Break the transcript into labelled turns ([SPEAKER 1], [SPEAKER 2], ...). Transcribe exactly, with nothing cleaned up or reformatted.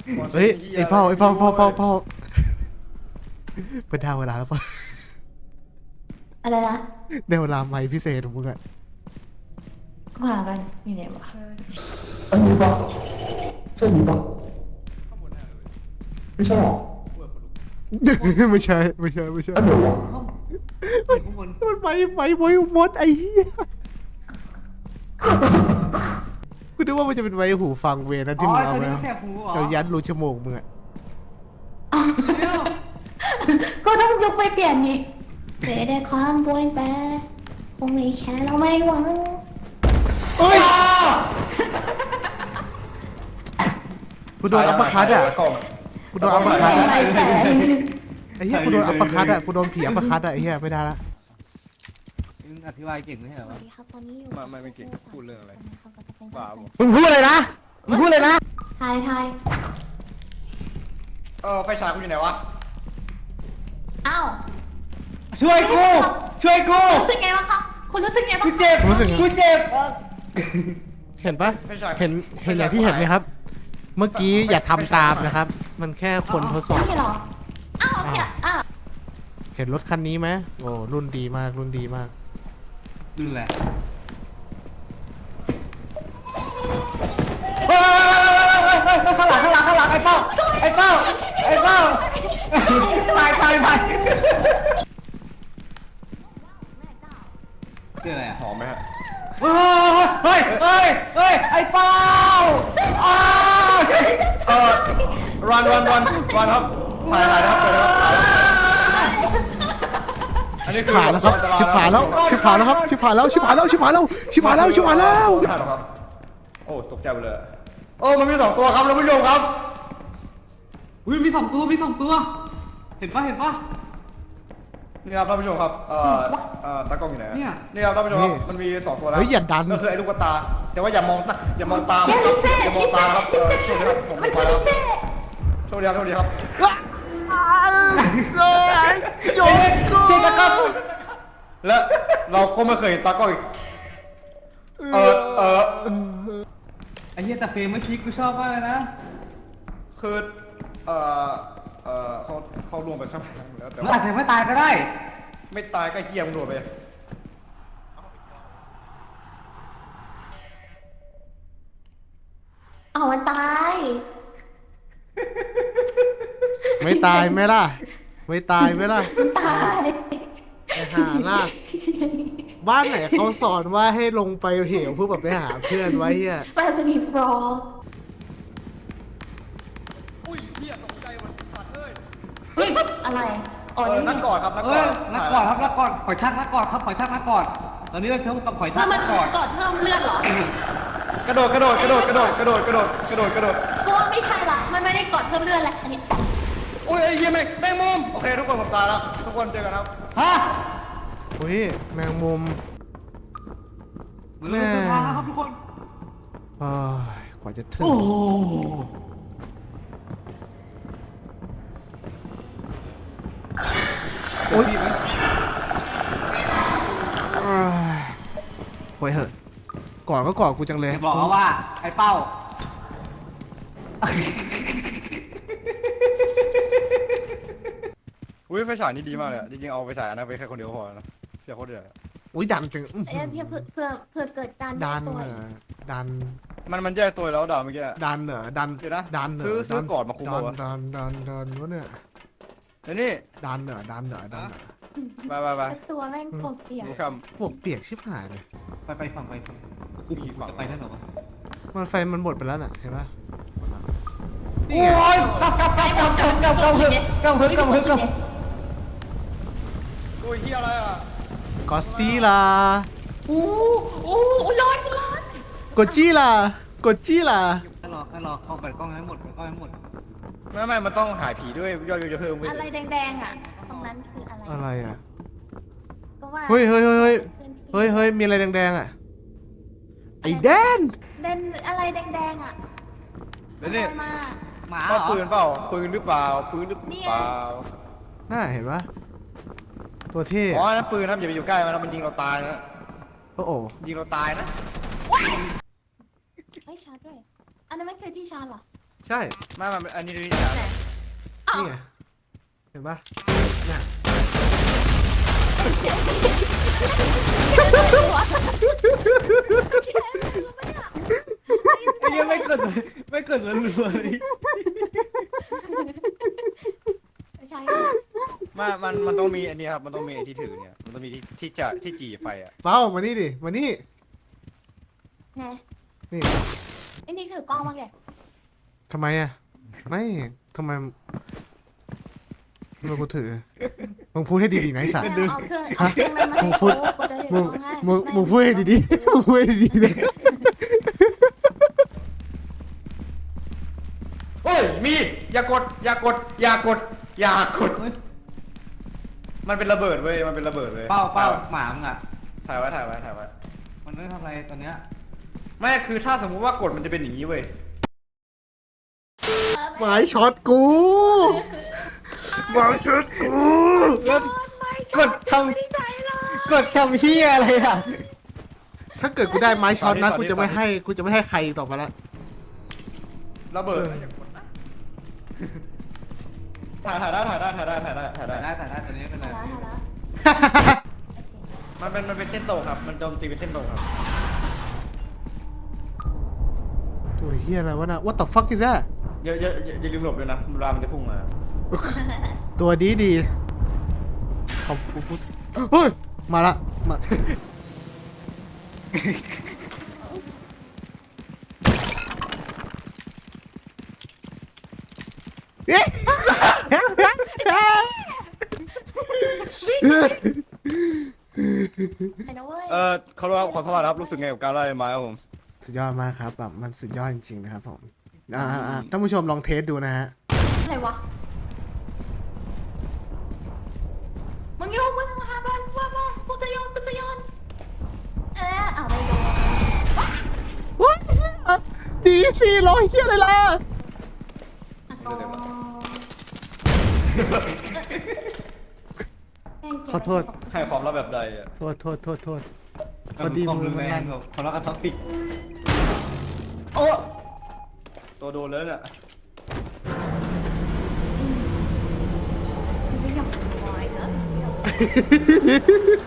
[SPEAKER 1] เฮ้ยไอ้เป้าไอ้เป้าเป้าเป้าเป้าเป็นดาวเวลาแล้วป่ะ
[SPEAKER 2] อะไรนะ
[SPEAKER 1] ได้เวลาใหม่พิเศษของมึงอะ
[SPEAKER 2] กูหากันอยู่ไหนวะ
[SPEAKER 3] อันนี้ปะใช่นี้ปะไม่ใช่หรอ
[SPEAKER 1] ไม่ใช่ไม่ใช่ไม่ใช่
[SPEAKER 3] อันเดียววะ
[SPEAKER 1] มันไปไปไว้มดไอ้เหี้ยกูนึกว่ามันจะเป็นไว้หูฟังเวนั้นที่มึงเอาไปเอายัดรูจมูกมึงอะ
[SPEAKER 2] ก็ต้องยกไปเปลี่ยนนี่เสียได้ความบวยแปรคงไม่แค่เราไม่หวัง
[SPEAKER 1] เอ้ยกูโดนอัปเปอร์คัตอะกูโดนอัปเปอร์คัตอะ
[SPEAKER 2] ไม่แปร
[SPEAKER 1] ไอ้เหี้ยกูโดนอัปเปอร์คัตอะกูโดนผีอัปเปอร์คัตอะไอ้เหี้ยไม่ได้ละ
[SPEAKER 4] มึงอธิบายเก่งไม่ใช่เหรอ
[SPEAKER 2] สวั
[SPEAKER 4] วะ
[SPEAKER 2] สดีครับตอนนี้อยู่
[SPEAKER 5] ไม่ไม่ไม่เก่งพูดเรื่องอะไร
[SPEAKER 2] บ้า
[SPEAKER 5] บ้า
[SPEAKER 4] มึงพูดเลยนะมึงพูดเลยนะ
[SPEAKER 2] ทายทาย
[SPEAKER 5] เออไฟฉายกูอยู่ไหนวะ
[SPEAKER 2] อ้าว
[SPEAKER 4] ช่วยกูช่วยกู
[SPEAKER 2] รู้สึกไงบ้างครับคุณรู้สึกไงบ้าง
[SPEAKER 4] กูเจ็บ
[SPEAKER 1] รู้สึกไง
[SPEAKER 4] กูเจ็บ
[SPEAKER 1] เห็นปะเห็นเห็นอย่างที่เห็นไหมครับ เมื่อกี้อย่าทำตามนะครับ มันแค่คนทดสอบ
[SPEAKER 2] ไม่หรออ้าวโอเคอ้าว
[SPEAKER 1] เห็นรถคันนี้ไหมโอ้รุ่นดีมากรุ่นดีมาก
[SPEAKER 4] ดูแล ข้างหลังข้างหลังข้างหลังไอ้เป้าไอ้เป้าไอ้เป้าตายตายตายคืออะไรอ่ะ
[SPEAKER 5] หอมไหมฮะ
[SPEAKER 4] เฮ้ยเฮ้ยเฮ้ยไอ้เป้าอ้าว
[SPEAKER 5] เออรันรันรันรันครับถ่ายถ่ายนะครับเปิดนะครับอันนี้
[SPEAKER 1] ชิบหายแล้วครับชิบหายแล้วชิบหายแล้วครับชิบหายแล้วชิบหายแล้วชิบหายแล้วชิบหายแล้วชิบหายแล้ว
[SPEAKER 5] ครับโอ้ตกใจไปเลยโอ้มันมีสองตัวครับท่านผู้ชมครับ
[SPEAKER 4] อุ้ยมีสองตัวมีสองตัว เห็นปะเห็นปะ
[SPEAKER 5] นี่ครับท่านผู้ชมครับเอ่อเอ่อตากล้องอยู่ไหน
[SPEAKER 4] เนี่ย
[SPEAKER 5] นี่ครับท่านผู้ชมครับมันมีสองตัวแล้ว
[SPEAKER 1] เฮ้ยอย่าดัน
[SPEAKER 5] ก็คือไอ้ลูกตาแต่ว่าอย่ามองตาอย่ามองตา
[SPEAKER 2] เชี่ยลิเซ่
[SPEAKER 5] อย่ามอง
[SPEAKER 2] ลิ
[SPEAKER 5] ตา
[SPEAKER 2] เซ่
[SPEAKER 5] ครับเออ
[SPEAKER 2] ลิ
[SPEAKER 5] โชค
[SPEAKER 2] เซ่
[SPEAKER 5] ดีครับผม
[SPEAKER 2] มัน
[SPEAKER 5] ไป
[SPEAKER 2] คือ
[SPEAKER 5] แล้
[SPEAKER 2] ลิ
[SPEAKER 5] ว
[SPEAKER 2] เซ่
[SPEAKER 5] โชคดีครับโชคดีครับ
[SPEAKER 1] โยนกู
[SPEAKER 4] เช็คครับ
[SPEAKER 5] และเราก็ไม่เคยเห็นตากล้องอีกเออเออ
[SPEAKER 4] ไอ้เหี้ยแต่เฟรมเมื่อกี้กูชอบมากเลยนะ
[SPEAKER 5] คือเออเออเขาเขารวมไปข้างหลังแล้วแต่
[SPEAKER 4] มัน
[SPEAKER 5] ว่า
[SPEAKER 4] อาจจะไม่ตายก็ได้
[SPEAKER 5] ไม่ตายก็เฮี้ยมงรวมไป
[SPEAKER 2] อ้าวมันตาย
[SPEAKER 1] ไม่ตายไหมล่ะไม่ตายไหมล่ะ
[SPEAKER 2] ตาย
[SPEAKER 1] ไปหาล่ะบ้านไหนเขาสอนว่าให้ลงไปเหวเพื่อแบบไปหาเพื่อนไว้เฮีย
[SPEAKER 2] มันจะมีฟลอร์
[SPEAKER 5] อุ้ยเฮี้ยตกใจหมดสัตว์เอ้ย
[SPEAKER 2] เฮ้ยอะไรอ๋อ
[SPEAKER 5] เออ
[SPEAKER 2] นี่
[SPEAKER 5] นักกอดครับนัก
[SPEAKER 4] เอก
[SPEAKER 5] อ
[SPEAKER 4] อ
[SPEAKER 5] ด
[SPEAKER 4] นักกอดครับนักกอดหอยทากนักกอดครับหอยทากนักกอดตอนนี้เราเท่ากับหอย
[SPEAKER 2] เพื่
[SPEAKER 4] ทา
[SPEAKER 2] อก มัน
[SPEAKER 4] นักกอด
[SPEAKER 2] กดเพิ่มเลือดเหรอก
[SPEAKER 5] ระโดดกระโดดกระโดดกระโดดกระโดดกระโดดกระโดดกระโดด
[SPEAKER 2] ก็ว่าไม่ใช่ละมันไม่ได้กดเพิ่มเลือดแหละอันนี้
[SPEAKER 5] อุ้ยไอ้เหี้ยแม่งแม่งมุมโอเคทุกคนผมตายแล้วทุกคนเจอกันครับ
[SPEAKER 4] ฮะ
[SPEAKER 1] อุ้ยแมงมุม
[SPEAKER 4] เหมือนเราจะมาแล้วครับทุกคน
[SPEAKER 1] โอ้ยกว่าจะถึง
[SPEAKER 4] โอ้โห
[SPEAKER 1] โอ้ยโอ้ยโวยเหอะก่อนก็ก่อนกูจังเลย
[SPEAKER 4] จะบอกแล้วว่าไอ้เป้า
[SPEAKER 5] อุ้ยไฟฉายนี่ดีมากเลยอะจริงๆเอาไฟฉายอันนั้นไปแค่คนเดียวก็พอแล้วเพียโคตรเดือดอะ
[SPEAKER 1] อุ้ยดันจังอื้อ
[SPEAKER 2] เอ้
[SPEAKER 1] หื
[SPEAKER 2] ย
[SPEAKER 1] อ
[SPEAKER 2] เพื่อเพื่อเพื่อเกิดการ
[SPEAKER 1] ดัน
[SPEAKER 2] ตัว
[SPEAKER 1] เหรอดัน
[SPEAKER 5] มันมันแยกตัวแล้วด่าเมื่อกี้
[SPEAKER 1] ดันเหรอดัน
[SPEAKER 5] เดี๋ยวนะ
[SPEAKER 1] ดันเหรอ
[SPEAKER 5] ซื้อซื้อ
[SPEAKER 1] ดั
[SPEAKER 5] ก่อนมาคุม
[SPEAKER 1] ดั
[SPEAKER 5] เอา
[SPEAKER 1] น
[SPEAKER 5] วะ
[SPEAKER 1] ดันดันดันวะเนี่ย
[SPEAKER 5] เดี๋ยวนี่
[SPEAKER 1] ดันเหรอดันเหรอดันเหรอ
[SPEAKER 5] ไปไปไป
[SPEAKER 2] ตัวแม่งปวดเปียก
[SPEAKER 5] ดูค
[SPEAKER 1] พวกเปียกชิบหายเลย
[SPEAKER 4] ไปไปฝั่งไปฝั่ง
[SPEAKER 5] ำอีกฝั่ง
[SPEAKER 4] จะไปได้เหรอวะ
[SPEAKER 1] มันไฟมันหมดไปแล้วน่ะเห็นปะนี่
[SPEAKER 4] โอ้
[SPEAKER 1] ไง
[SPEAKER 4] ยกลับกลับกลับกลับกลับกลับกลับกลับกลับกลับกลับกลับ
[SPEAKER 5] อุ้ยเฮียอะไรอ่ะ
[SPEAKER 1] กอซีลา
[SPEAKER 2] อู้อู้อู้ร้อนร้อน
[SPEAKER 1] กดจี้ล่ะกดจี้ล่ะ
[SPEAKER 4] แค่รอแค่รอเข้าไปกล้องให้หมดกล้องให้หมด
[SPEAKER 5] ไม่ไม่มันต้องหายผีด้วยยอดวิวจะเพิ่มขึ้น
[SPEAKER 2] อะไรแดงๆอ่ะตรงนั้นคืออะไร
[SPEAKER 1] อะไรอ่ะ
[SPEAKER 2] ก็ว่า
[SPEAKER 1] เฮ้ยเฮ้ยเฮ้ยเฮ้ยเฮ้ยเฮ้ยมีอะไรแดงๆอ่ะไอ้แดน
[SPEAKER 2] เดนอะไรแดงๆอ่ะ
[SPEAKER 5] เดี๋ยวนี่
[SPEAKER 2] อะไรมา
[SPEAKER 4] หมาเหร
[SPEAKER 5] ว่า
[SPEAKER 4] อ
[SPEAKER 5] ปืนเปล่าปืนหรือเปล่าปืนหรือเปล่า
[SPEAKER 1] น่าเห็นปะตัวเท่
[SPEAKER 5] อ๋อนั่นปืนครับอย่าไปอยู่ใกล้มันนะมันยิงเราตายนะ
[SPEAKER 1] โอ้โห
[SPEAKER 5] ยิงเราตายนะ
[SPEAKER 2] ไม่ชาร์จด้วย อันนั้นมันคือที่ชาร์จเหรอ
[SPEAKER 1] ใช่
[SPEAKER 5] ไม่มันอันนี้ดูที่ชาร์จ
[SPEAKER 1] นี่ไงเห็นปะเนี่ย
[SPEAKER 4] ไอ้เหี้ยังไม่เกิดเลยไม่เกิดเลยเลย
[SPEAKER 2] ไม่ใช่
[SPEAKER 5] ไม่มันมันต้องมีอันนี้ครับมันต้องมีไอ้ที่ถือเนี่ยมันต้องมีที่ที่จะที่จีไฟอ่ะ
[SPEAKER 1] เป้ามานี่ดิมานี่
[SPEAKER 2] ไง
[SPEAKER 1] นี่
[SPEAKER 2] ไอ้นี่ถือกล้องมากเลย
[SPEAKER 1] ทำไมอ่ะไม่ทำไมทำไมกูถือมึงพูดให้ดีๆนะไอ้สัตว์
[SPEAKER 2] เอาเครื่องเอาเครื่องนั้นมา
[SPEAKER 1] มึ
[SPEAKER 2] ให้
[SPEAKER 1] งพู
[SPEAKER 2] กู
[SPEAKER 1] ด
[SPEAKER 2] กูจะถือ
[SPEAKER 1] มึ
[SPEAKER 2] ก
[SPEAKER 1] ง
[SPEAKER 2] ล้องให้
[SPEAKER 1] มึง
[SPEAKER 2] ไม่
[SPEAKER 1] มึงพูดให้ดีๆมึงพูดให้ดีๆเลย
[SPEAKER 5] โอ้ยมีอย่ากดอย่ากดอย่ากดอย่ากดมันเป็นระเบิดเว้ยมันเป็นระเบิดเว้ย
[SPEAKER 4] เป้าเป้าหมามึงอ่ะ
[SPEAKER 5] ถ่ายไว้ถ่ายไว้ถ่ายไว้
[SPEAKER 4] มันไม่ทำอะไรตอนเนี้ย
[SPEAKER 5] ไม่คือถ้าสมมุติว่ากดมันจะเป็นอย่างนี้เว้ย
[SPEAKER 1] หมายช็อตกูหมายช็อตกู
[SPEAKER 4] กดทำกดทำเฮียอะไรอ่ะ
[SPEAKER 1] ถ้าเกิดกูได้ไม้ช็อตนะกูจะไม่ให้กูจะไม่ให้ใครต่อไปละ
[SPEAKER 5] ระเบิดนะอย่ากดนะถ่ายถ่ายได้ถ่ายได้ถ่ายได้ถ่ายได้ถ่าย
[SPEAKER 4] ถ่าย
[SPEAKER 5] ได้
[SPEAKER 4] ได้ถ่ายได้ตอนนี้เป็น
[SPEAKER 2] ถ่า
[SPEAKER 4] ไร
[SPEAKER 2] ยแล้วถ่ายแล้ว
[SPEAKER 5] มันเป็นมันเป็นเส้นตรงครับ มันโจมตีเป็นเส้นตรงครับ
[SPEAKER 1] ตัวเฮียอะไรวะน่ะ What the fuck is that
[SPEAKER 5] อย่าอย่าอย่าอย่าลืมหลบด้วยนะเวลามันจะพุ่งมา
[SPEAKER 1] ตัวดีดีขอบคุณผู้เฮ้ยมาละมาเอ๊ะ
[SPEAKER 2] ไปนะเว้ย
[SPEAKER 5] เออเขาเรียกว่าขอสวัสดีครับรู้สึกไงกับการไล่ไม้ครับผม
[SPEAKER 1] สุดยอดมากครับแบบมันสุดยอดจริงๆนะครับผมอ่าอ่าท่านผู้ชมลองเทสดูนะฮะ
[SPEAKER 2] อะไรวะมึงโยนมึงหาบ้านว่าว่ากูจะโยนกูจะโยนเออเอาไปโยน
[SPEAKER 1] ว้าดีสิรอเฮียอะไรล่ะ
[SPEAKER 2] อ๋อ
[SPEAKER 1] ขอโทษ
[SPEAKER 5] ให้ความลับแบบใดอ่ะ
[SPEAKER 1] โทษโทษโทษโทษพ
[SPEAKER 4] พ
[SPEAKER 1] อ
[SPEAKER 4] อ
[SPEAKER 1] ดี
[SPEAKER 4] ดี
[SPEAKER 1] มื
[SPEAKER 4] มื
[SPEAKER 1] อ
[SPEAKER 4] อ
[SPEAKER 1] มั
[SPEAKER 4] แร
[SPEAKER 1] นลั่
[SPEAKER 4] ง
[SPEAKER 1] น
[SPEAKER 4] แบบคนละกระท็อปิก
[SPEAKER 5] โอ้ตัวโดนแล้วเนี่ย
[SPEAKER 2] ไม่อยากสบายนะ